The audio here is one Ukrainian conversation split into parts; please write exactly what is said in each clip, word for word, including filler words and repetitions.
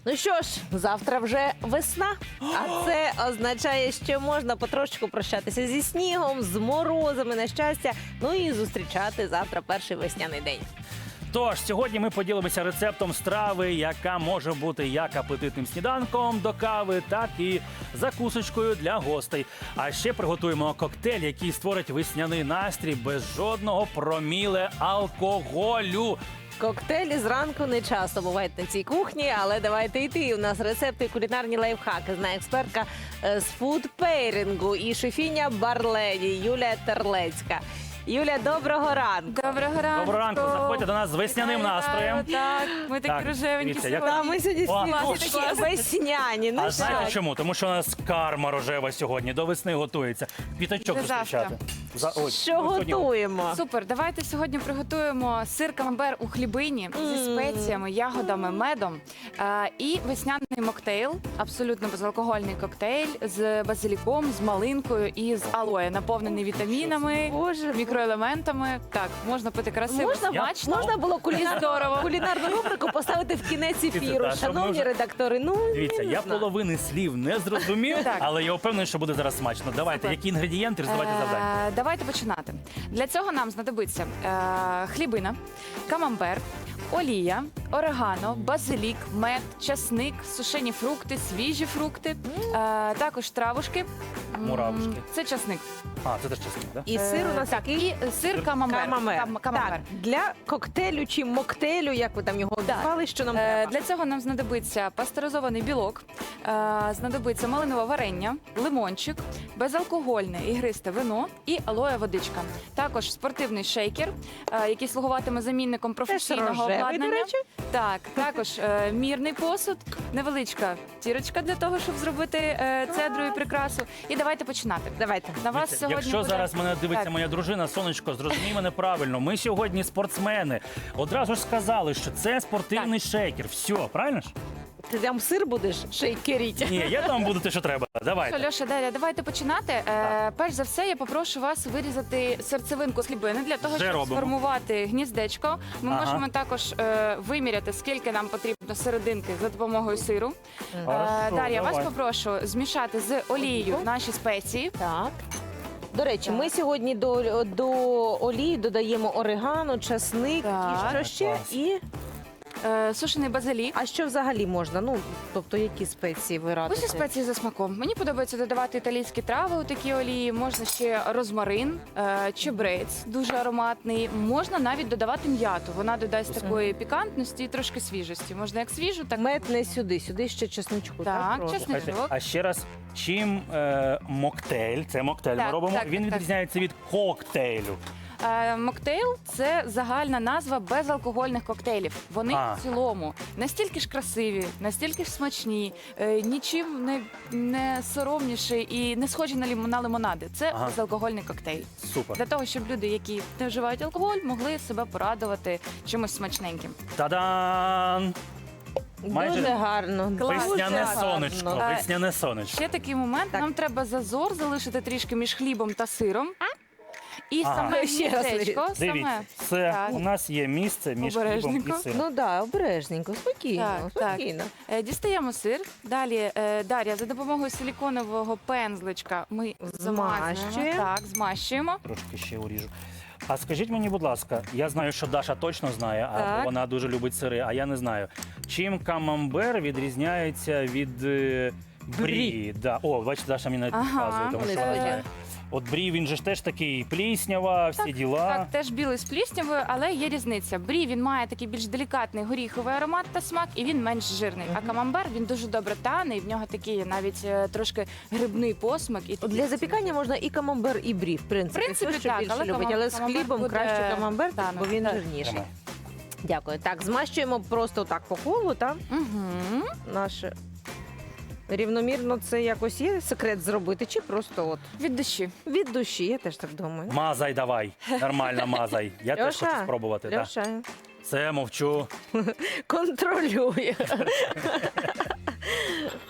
Ну що ж, завтра вже весна, а це означає, що можна потрошечку прощатися зі снігом, з морозами на щастя, ну і зустрічати завтра перший весняний день. Тож, сьогодні ми поділимося рецептом страви, яка може бути як апетитним сніданком до кави, так і закусочкою для гостей. А ще приготуємо коктейль, який створить весняний настрій без жодного проміле алкоголю. Коктейлі зранку не часто бувають на цій кухні, але давайте йти. У нас рецепти і кулінарні лайфхаки. Знає експертка з фудпейрингу і шефіня Барледі Юлія Терлецька. Юля, доброго ранку. Доброго ранку. Доброго ранку, заходьте до нас з весняним Вітаю, настроєм. Так, ми такі Так, рожевенькі дивіться, як- сьогодні. Та ми сьогодні О, всі клас. такі весняні. Ну А що? знаєте чому? Тому що у нас карма рожева сьогодні, до весни готується. П'ятачок Це завтра. зустрічати. За- ой, Що ну, сьогодні- готуємо? Супер, давайте сьогодні приготуємо сир камамбер у хлібині зі спеціями, ягодами, медом е, і весняний моктейл, абсолютно безалкогольний коктейль з базиліком, з малинкою і з алоє, наповнений вітамінами, Боже, мікроелементами. Так, можна пити красиво, Можна, смачно. можна було кулінарну, Здорово. кулінарну рубрику поставити в кінець ефіру. та, щоб ми Шановні вже- редактори, ну Дивіться, не я знаю. половини слів не зрозумів, Так. але я впевнений, що буде зараз смачно. Давайте, Супер. які інгредієнти, роздавайте завдання. Е, Давайте починати. Для цього нам знадобиться е, хлібина, камамбер, олія, орегано, базилік, мед, часник, сушені фрукти, свіжі фрукти, е, також травушки. М, Муравушки. Це часник. А, це теж чесно, так? І сир у нас Е, так, який? і сир камамбер. Камамбер. Кам- камамбер. Так, для коктейлю чи моктейлю, як ви там його Так. назвали, що нам Е, треба? Для цього нам знадобиться пастеризований білок, е, знадобиться малинове варення, лимончик, безалкогольне ігристе вино і алоє водичка. Також спортивний шейкер, е, який слугуватиме замінником професійного рожевий, до обладнання. речі. Так, також е, мірний посуд, невеличка тірочка для того, щоб зробити е, цедру і прикрасу. І давайте починати. Давайте. На вас Дивіться, сьогодні Якщо буде- зараз мене дивиться Так. моя дружина, сонечко, зрозумій мене правильно. Ми сьогодні спортсмени. Одразу ж сказали, що це спортивний шейкер. Все, правильно ж? Ти там сир будеш шейкеріть? Ні, я там буду те, що треба. Давайте. Що, Льоша, Дар'я, давайте починати. Е, перш за все, я попрошу вас вирізати серцевинку з хлібини для того, Вже щоб робимо. сформувати гніздечко. Ми Ага. можемо також е, виміряти, скільки нам потрібно серединки за допомогою сиру. Е, Хорошо, Дар'я, вас давай. попрошу змішати з олією наші спеції. Так. До речі, Так. ми сьогодні до, до олії додаємо орегано, часник Так. і що ще? Клас. І Е, сушений базилік. а що взагалі можна? Ну, тобто, які спеції ви радите? Усі спеції за смаком. Мені подобається додавати італійські трави у такі олії. Можна ще розмарин, е, чебрець, дуже ароматний. Можна навіть додавати м'яту. Вона додасть такої пікантності і трошки свіжості. Можна як свіжу, так Мед не сюди, сюди ще чесничку. Так, Так, прошу. чесник. Слухайте, а ще раз, чим е, моктейль, це моктейль ми Так, робимо, так, він так. відрізняється від коктейлю. Е, Моктейл це загальна назва безалкогольних коктейлів. Вони А. в цілому настільки ж красиві, настільки ж смачні, е, нічим не, не соромніші і не схожі на, лім, на лимонади. Це Ага. безалкогольний коктейль. Супер. Для того, щоб люди, які не вживають алкоголь, могли себе порадувати чимось смачненьким. Та-дан! Майже Дуже гарно. Клас. дуже Весняне гарно. сонечко, Е, весняне сонечко. Ще такий момент. Так. Нам треба зазор залишити трішки між хлібом та сиром. І Ага. саме Ще раз гніздечко, Дивіться, саме це Так. у нас є місце між хлібом і Обережненько. сиром. Ну так, да, обережненько, спокійно, Так, так. спокійно. Е, Дістаємо сир. Далі, е, Дар'я, за допомогою силіконового пензличка ми замазуємо. Змащуємо. Так, змащуємо. Трошки ще уріжу. А скажіть мені, будь ласка, я знаю, що Даша точно знає, а Так. вона дуже любить сири, а я не знаю. Чим камамбер відрізняється від е, брі? Да. О, бачите, Даша мені навіть Ага. підказує, тому що Е, вона знає. От брі, він же ж теж такий пліснява, всі діла. Так, теж білий з пліснявою, але є різниця. Брі він має такий більш делікатний горіховий аромат та смак, і він менш жирний. А камамбер він дуже добре тане, і в нього такий навіть е, трошки грибний посмак. І От такий для запікання можна і камамбер, і брі, в принципі. В принципі, Хто що так, більше але любить, камам- але з камамбер хлібом буде краще камамбер, танок, бо він так. жирніший. Тримай. Дякую. Так, змащуємо просто так по колу, так? Угу. Наше рівномірно це якось є секрет зробити, чи просто от Від душі. від душі, я теж так думаю. Мазай давай, нормально мазай. Я теж Льоша, хочу спробувати. Да. Льоша, Це мовчу. контролює.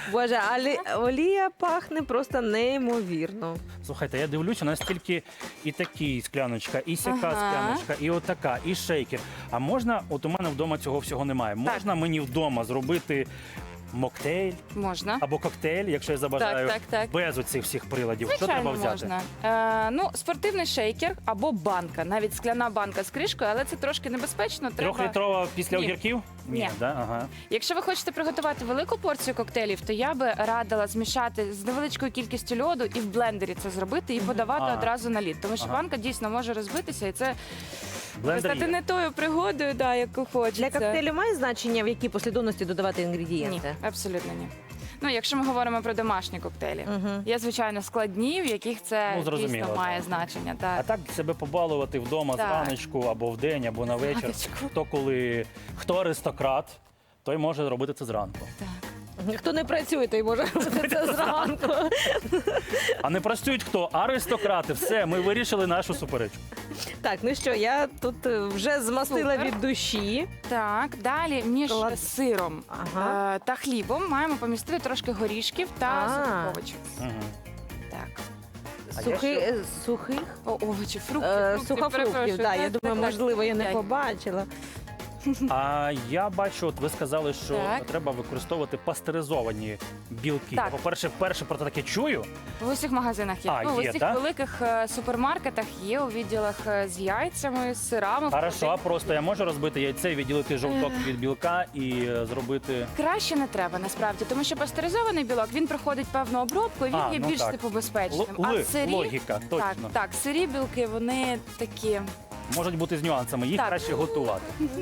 Боже, але олія пахне просто неймовірно. Слухайте, я дивлюся, у нас тільки і такі скляночка, і сяка Ага. скляночка, і отака, і шейкер. А можна, от у мене вдома цього всього немає. Можна мені вдома зробити моктейль Можна. або коктейль, якщо я забажаю, Так, так, так. без оцих всіх приладів. Що Звичайно, треба взяти? можна. Е, ну, спортивний шейкер або банка, навіть скляна банка з кришкою, але це трошки небезпечно. Треба... Трьохлітрова після Ні. огірків? Ні. Да? Ага. Якщо ви хочете приготувати велику порцію коктейлів, то я би радила змішати з невеличкою кількістю льоду і в блендері це зробити і подавати Ага. одразу на лід. Тому що Ага. банка дійсно може розбитися, і це Блендер стати є. не тою пригодою, да, яку хочеться. Для коктейлю має значення, в якій послідовності додавати Ні, інгредієнти? абсолютно ні. Ну, якщо ми говоримо про домашні коктейлі, Мгм. є, звичайно, складні, в яких це Ну, зрозуміло, дійсно має так. значення. А Так. так себе побалувати вдома Так. зраночку або вдень, або на вечір. Зраночку. Хто коли хто аристократ, той може робити це зранку. Так. Хто не працює, той може робити це зранку. А не працюють хто? Аристократи. Все, ми вирішили нашу суперечку. Так, ну що, я тут е, вже змастила Супер. від душі. Так, далі між Клад- сиром Ага. е, та хлібом маємо помістити трошки горішків та А. сухих овочів. Угу. Так. А Сухи, я ще- е, сухих? О, овочі, фрукти, Е, фрукти, Сухофруктів, перепрошую. да, я Так, думаю, так, можливо, я не так. побачила. А я бачу, от ви сказали, що Так. треба використовувати пастеризовані білки. Так. По-перше, вперше про це таке чую. В усіх магазинах є. А, ну, в є, усіх так? великих е, супермаркетах є у відділах е, з яйцями, з сирами. Хорошо, а просто я можу розбити яйце, відділити жовток від білка і е, зробити. Краще не треба насправді, тому що пастеризований білок він проходить певну обробку, і він А, є ну більш так. типу безпечним. Л- а ли- сирі логіка, точно. так, так, сирі білки вони такі. Можуть бути з нюансами, їх Так. краще готувати.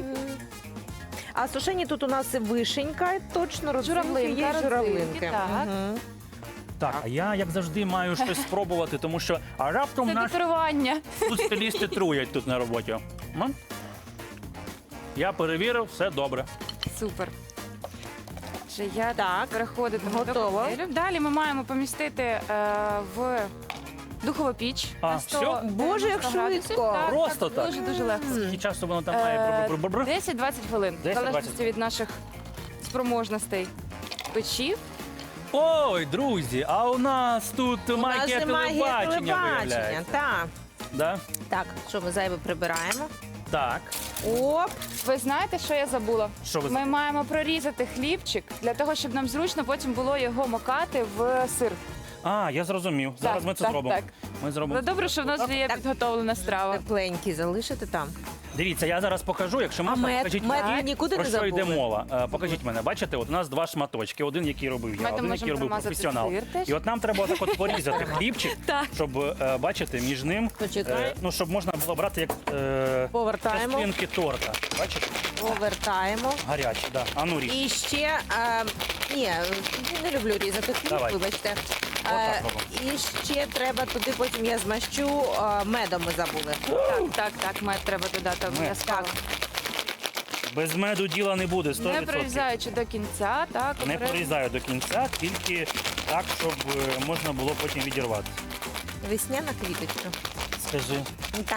А сушені тут у нас вишенька, точно, родзинки Журавлинка, є, родзинки, журавлинки. так. Мгм. Так, а я як завжди маю щось спробувати, тому що а раптом Це наш декорування. тут стилісти труять тут на роботі. М? Я перевірив, все добре. Супер. Вже я Так, переходити готово. до коктейлю. Далі ми маємо помістити е, в духову піч. А, на всьо? сто Боже, як дев'яносто градусів. швидко. Так, Просто так. так? Дуже дуже легко. Скільки часу воно там має Е, бр-бр-бр-бр? десять-двадцять хвилин, в десять-двадцять. залежності від наших спроможностей печі. Ой, друзі, а у нас тут У нас магія же магія телебачення телебачення. виявляється. Так. Да? Так, що ми зайве прибираємо? Так. Оп, Ви знаєте, що я забула? Що ви Ми забули? маємо прорізати хлібчик для того, щоб нам зручно потім було його макати в сир. А, я зрозумів. Зараз Так, ми це так, зробимо. так. Ми зробимо. Але добре, що в нас вже є Так. підготовлена страва. тепленькі залишити там. Дивіться, я зараз покажу, якщо А можна, мед? покажіть Мед мені, ви нікуди про не що йде забули? мова. Е, Покажіть мене. Бачите, от у нас два шматочки. Один, який робив я, Медом один, можемо який робив промазати професіонал. сир теж. І от нам треба отак от порізати хлібчик, Так. щоб, е, бачите, між ним, Почекай. е, ну, щоб можна було брати як е, Повертаємо. частинки торта. Бачите? Повертаємо. Гарячі, да. А ну ріж. І ще, е, ні, не люблю різати хліб, Давай. вибачте. Отак Е, робимо. і ще треба туди, потім я змащу е, медом, ми забули. Так, так, так, мед треба додати обов'язково. Без меду діла не буде, сто Не відсотків. прорізаючи до кінця, так. Не обережно. прорізаю до кінця, тільки так, щоб е, можна було потім відірвати. Весняна квіточка. Скажи. Так.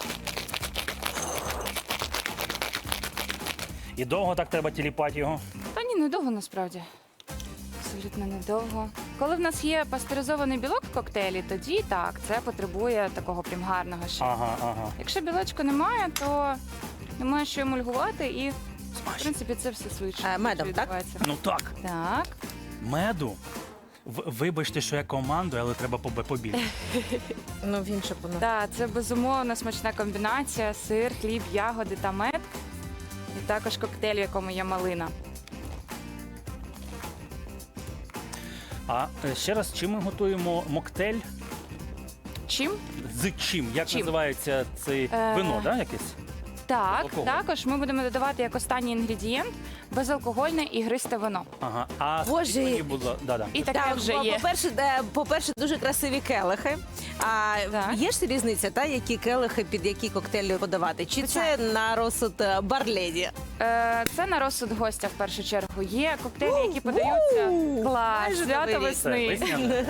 І довго так треба тіліпати його? Та ні, недовго насправді. Абсолютно недовго. Коли в нас є пастеризований білок в коктейлі, тоді так, це потребує такого прям гарного ще. Ага, ага. Якщо білочку немає, то немає що емульгувати і, в принципі, це все швидше. Е, медом, так? відбувається. Ну так, Так. меду. В- Вибачте, що я командую, але треба побе- побільше. Ну, він щоб воно. Так, це безумовно смачна комбінація: сир, хліб, ягоди та мед. І також коктейль, в якому є малина. А е, ще раз, чим ми готуємо моктейль? Чим? З чим? Як Чим? називається це Е, вино, да, якесь? Так, Алкоголь. також ми будемо додавати як останній інгредієнт безалкогольне ігристе вино. Ага. А Боже. скільки мені було? Да-да. І таке Так, вже по- є. По-перше, е, по-перше, дуже красиві келихи. А Так. є ж різниця, та, які келихи під які коктейлі подавати? Чи Звичайно. це на розсуд е, барледі? Е, Це на розсуд гостя в першу чергу. Є коктейлі, які подаються. У-у-у! Клас, Майже свято Новий рік. Це весни. весняне.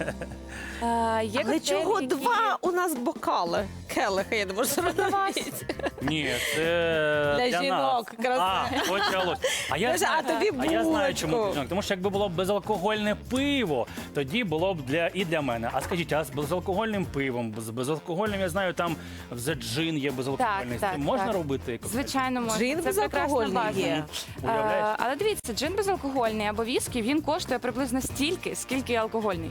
Е, Є Але коктейлі, чого які- два у нас бокали? Келиха, я не можу зрозуміти. Ні, це Для для жінок, нас. красиво. А, почалось. А я, Боже, знаю, а тобі а я знаю, чому булочку. для жінок. Тому що якби було б безалкогольне пиво, тоді було б для і для мене. А скажіть, а з безалкогольним пивом, з безалкогольним, я знаю, там вже джин є безалкогольний. Так, З цим так, можна так. робити? коктейль? Звичайно, можна. Джин Це прекрасна безалкогольний база. є. Уявляєш? Е, Але дивіться, джин безалкогольний або віскі, він коштує приблизно стільки, скільки і алкогольний.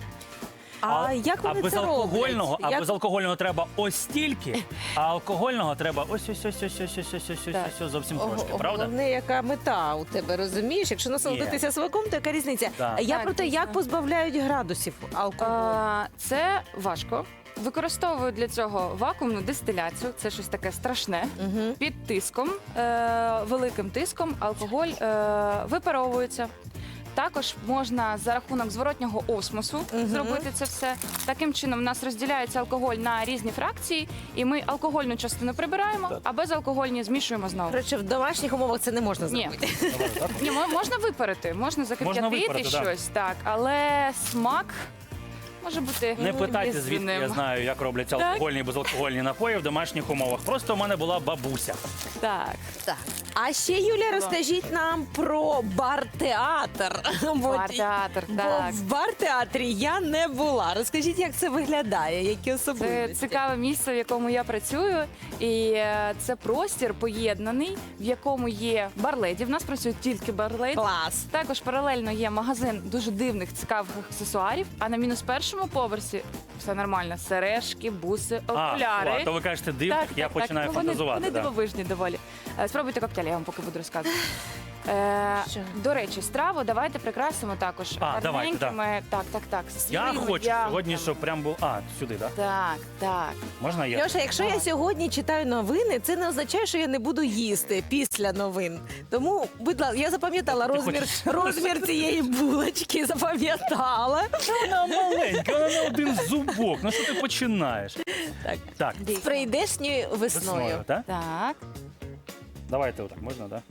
А як а вони це безалкогольного, роблять? а Як- безалкогольного треба ось стільки, а алкогольного треба ось ось ось ось ось ось ось ось Так. ось ось зовсім Ого, трошки, правда? Головне, яка мета у тебе, розумієш? Якщо насолодитися смаком, то яка різниця? Так. Я Так, про те, дійсно. як позбавляють градусів алкоголю. Е, Це важко. Використовую для цього вакуумну дистиляцію, це щось таке страшне. Угу. Під тиском, е, великим тиском, алкоголь е, випаровується. Також можна за рахунок зворотнього осмосу Мгм. зробити це все. Таким чином, у нас розділяється алкоголь на різні фракції, і ми алкогольну частину прибираємо, Так. а безалкогольні змішуємо знову. Коротше, в домашніх умовах це не можна Ні. зробити. Добре, так? Ні, мо- можна випарити, можна закип'ятити випарити, да. щось, так, але смак може бути Не питайте, звідки різним. я знаю, як робляться Так. алкогольні і безалкогольні напої в домашніх умовах. Просто у мене була бабуся. Так. Так. А ще, Юля, розкажіть нам про бар-театр. Бо- Бар-театр, Бо так. в бар-театрі я не була. Розкажіть, як це виглядає, які Це особливості? цікаве місце, в якому я працюю, і е, це простір поєднаний, в якому є барледі. В нас працюють тільки барледі. Клас. Також паралельно є магазин дуже дивних цікавих аксесуарів. А на мінус першому поверсі все нормально: сережки, буси, окуляри. А, то ви кажете дивних, я починаю ну, вони, фантазувати. Вони да. дивовижні доволі. Е, Спробуйте коктейль, я вам поки буду розказувати. Е, Що? до речі, страву давайте прикрасимо також. А, давайте, да. гарненькими- Так, так, так. Я свіжими хочу ягодами. сьогодні, щоб прям був. А, сюди, так? Так, так. Можна я? Льоша, якщо я Давай. сьогодні читаю новини, це не означає, що я не буду їсти після новин. Тому, будь ласка, я запам'ятала розмір, хочеш? розмір цієї булочки, запам'ятала. Вона маленька, вона на один зубок. Ну що ти починаєш? Так. Так, З прийдешньою весною, весною. так? Так. Давайте отак, можна, так?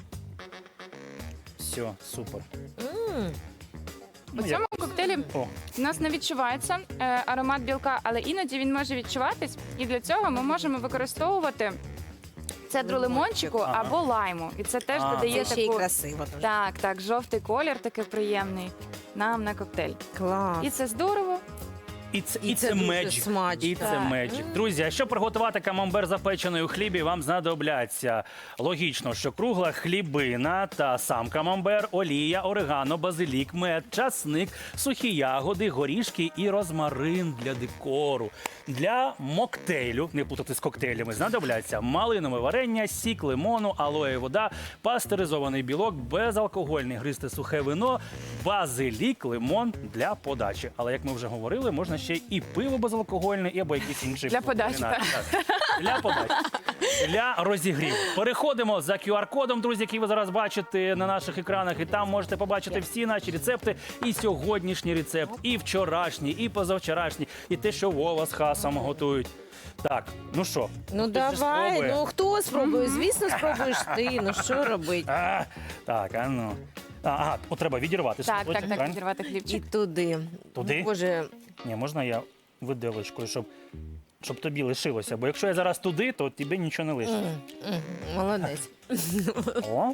Все, супер. М. У Ну, цьому як- коктейлі О, у нас не відчувається е, аромат білка, але іноді він може відчуватись. І для цього ми можемо використовувати цедру лимончику Ага. або лайму. І це теж А, додає Це ще й таку... красиво. дуже. Так, так, жовтий колір такий приємний нам на коктейль. Клас. І це здорово. І це, І і це це дуже меджик. смачно. І це Так. меджик. Друзі, а щоб приготувати камамбер запечений у хлібі, вам знадобляться логічно, що кругла хлібина та сам камамбер, олія, орегано, базилік, мед, часник, сухі ягоди, горішки і розмарин для декору. Для моктейлю, не плутати з коктейлями, знадобляться малинове варення, сік лимону, алоє вода, пастеризований білок, безалкогольний гристе сухе вино, базилік, лимон для подачі. Але як ми вже говорили, можна ще і пиво безалкогольне, і або якийсь інший Для подачі, кулінарний. Так. Для подачі. Для розігріву. Переходимо за ку ар-кодом, друзі, який ви зараз бачите на наших екранах. І там можете побачити всі наші рецепти. І сьогоднішній рецепт, і вчорашній, і позавчорашній, і те, що Вова з Хасом готують. Так, ну що? Ну хтось же давай, спробує? ну хто спробує? Звісно, спробуєш ти. Ну що робити? А, так, а ну. А, ага, от треба відірвати Так, шматочок, так, так, правильно? відірвати І хлібчик. туди. Туди? Боже, Ні, можна я виделочкою, щоб, щоб тобі лишилося. Бо якщо я зараз туди, то тобі нічого не лишиться. м, м, молодець. О,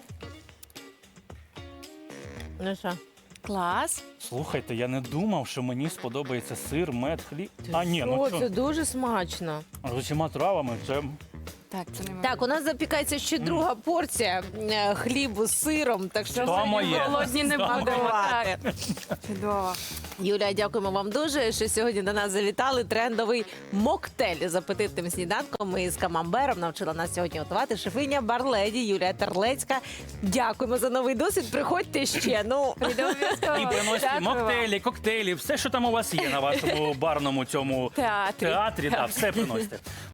Ну що? Клас. слухайте, я не думав, що мені сподобається сир, мед, хліб. А ні, ну О, це що, дуже смачно. з усіма травами це... Так, це не Так, у нас запікається ще друга порція е, хлібу з сиром, так що То моє. голодні не То будемо. моє. Так. Чудово. Юля, дякуємо вам дуже, що сьогодні до нас завітали. Трендовий моктейль з апетитним сніданком і з камамбером навчила нас сьогодні готувати шефиня Барледі Юлія Терлецька. Дякуємо за новий досвід. Приходьте ще. Ну Прийде обов'язково. І приносять Дякую вам. моктейлі, коктейлі, все, що там у вас є на вашому барному цьому Театрі. театрі, так, все приносите.